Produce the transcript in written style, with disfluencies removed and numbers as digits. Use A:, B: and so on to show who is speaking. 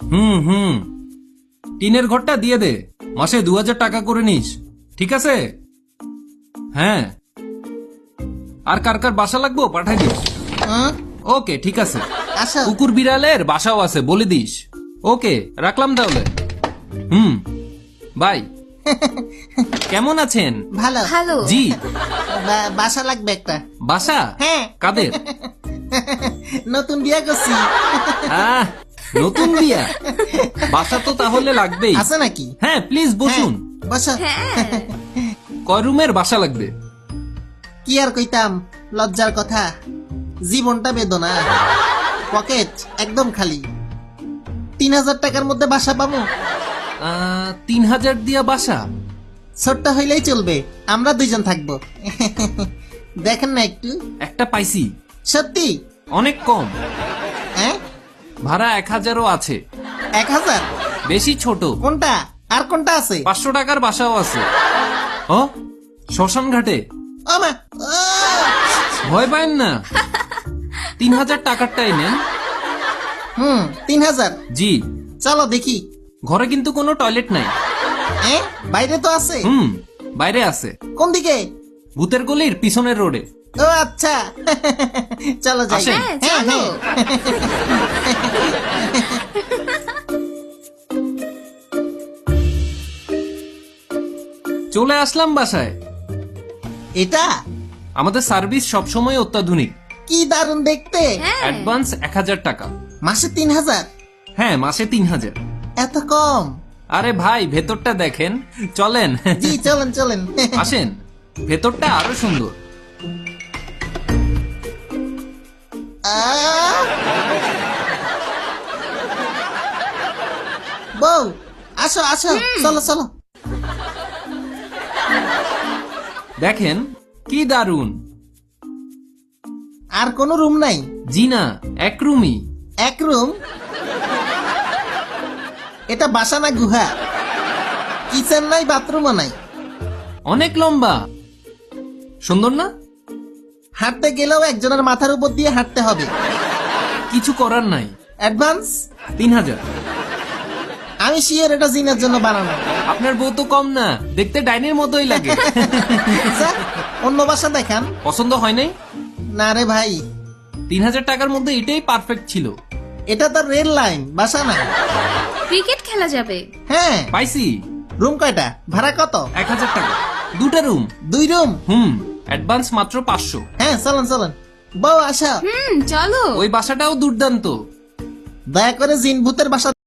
A: হুম হুম, টিনের ঘরটা দিয়ে দে, মাসে 2000 টাকা করে নিস, ঠিক আছে? হ্যাঁ, আর কার কার বাসা লাগবো পাঠাই দিস।
B: হুম,
A: ওকে, ঠিক আছে।
B: আসো।
A: কুকুর বিড়ালের বাসাও আছে, বলে দিস। ওকে, রাখলাম তাহলে। হুম, বাই। কেমন আছেন?
B: ভালো।
C: ভালো।
A: জি।
B: বাসা লাগবে একটা।
A: বাসা?
B: হ্যাঁ।
A: কাদের?
B: নতুন বিয়ে করছি।
A: আহ, নতুন বিয়া, বাসা তো তাহলে লাগবেই।
B: আছে নাকি?
A: হ্যাঁ, প্লিজ বসুন।
B: হ্যাঁ, বসো।
C: হ্যাঁ,
A: কয় রুমের বাসা লাগবে?
B: কি আর কইতাম, লজ্জার কথা। জীবনটা বেদনা, পকেট একদম খালি। 3000 টাকার মধ্যে বাসা পাবো?
A: 3000 দিয়া বাসা?
B: ছোট্ট হইলেই চলবে, আমরা দুইজন থাকবো। দেখেন না একটু।
A: একটা পাইছি,
B: সত্যি?
A: অনেক কম।
B: হ্যাঁ,
A: ভাড়া 1000ও আছে,
B: 1000?
A: বেশি ছোট।
B: কোনটা আর কোনটা আছে?
A: 500 টাকার বাসাও আছে। ও, শ্মশান ঘাটে।
B: ও মা, ও!
A: ভয় পায়েন না, 3000 টাকারটাই নেন।
B: 3000?
A: জি।
B: চলো দেখি।
A: ঘরে কিন্তু কোনো টয়লেট নাই।
B: হ্যাঁ, বাইরে তো আছে।
A: বাইরে আছে,
B: কোন দিকে?
A: ভূতের গলির পিছনের রোডে।
B: ও আচ্ছা। চলো যাই।
A: আসেন।
C: হ্যাঁ,
B: হ্যাঁ,
C: চলো।
B: হ্যাঁ।
A: চলে আসলাম বাসায়।
B: এটা
A: আমাদের সার্ভিস সবসময় অত্যাধুনিক।
B: কি দারুণ দেখতে।
C: হ্যাঁ,
A: অ্যাডভান্স 1000 টাকা।
B: মাসে 3000?
A: হ্যাঁ, মাসে 3000।
B: এত কম?
A: আরে ভাই, ভেতরটা দেখেন, চলেন।
B: জি, চলেন চলেন।
A: আসেন, ভেতরটা আরো সুন্দর।
B: আহ! বউ, আসো আসো, চলো চলো।
A: দেখেন কি দারুন।
B: আর কোনো রুম নাই?
A: জি না, এক রুমই।
B: এক রুম? এটা বাসা না গুহা? কিচেন নাই, বাথরুমও নাই?
A: অনেক লম্বা, সুন্দর না?
B: হাঁটতে গেলেও একজনের মাথার উপর দিয়ে হাঁটতে হবে।
A: কিছু করার নাই।
B: অ্যাডভান্স?
A: 3000।
B: আমি শিওর এটা জিনের জন্য বানানো।
A: আপনার বউ তো কম না, দেখতে ডাইনির মতোই লাগে।
B: আচ্ছা, অন্য বাসা দেখান।
A: পছন্দ হয় নাই?
B: না রে ভাই,
A: 3000 টাকার মধ্যে এটাই পারফেক্ট ছিল।
B: এটা তো রেল লাইন, বাসা না।
C: ক্রিকেট খেলা যাবে।
B: হ্যাঁ,
A: পাইছি।
B: রুম কয়টা? ভাড়া কত?
A: 1000 টাকা, 2টা রুম।
B: 2 রুম?
A: অ্যাডভান্স মাত্র 500।
B: হ্যাঁ, চলেন চলেন। বউ আসা।
C: চলো।
A: ওই বাসাটাও দুর্দান্ত।
B: দয়া করে জিন ভূতের বাসা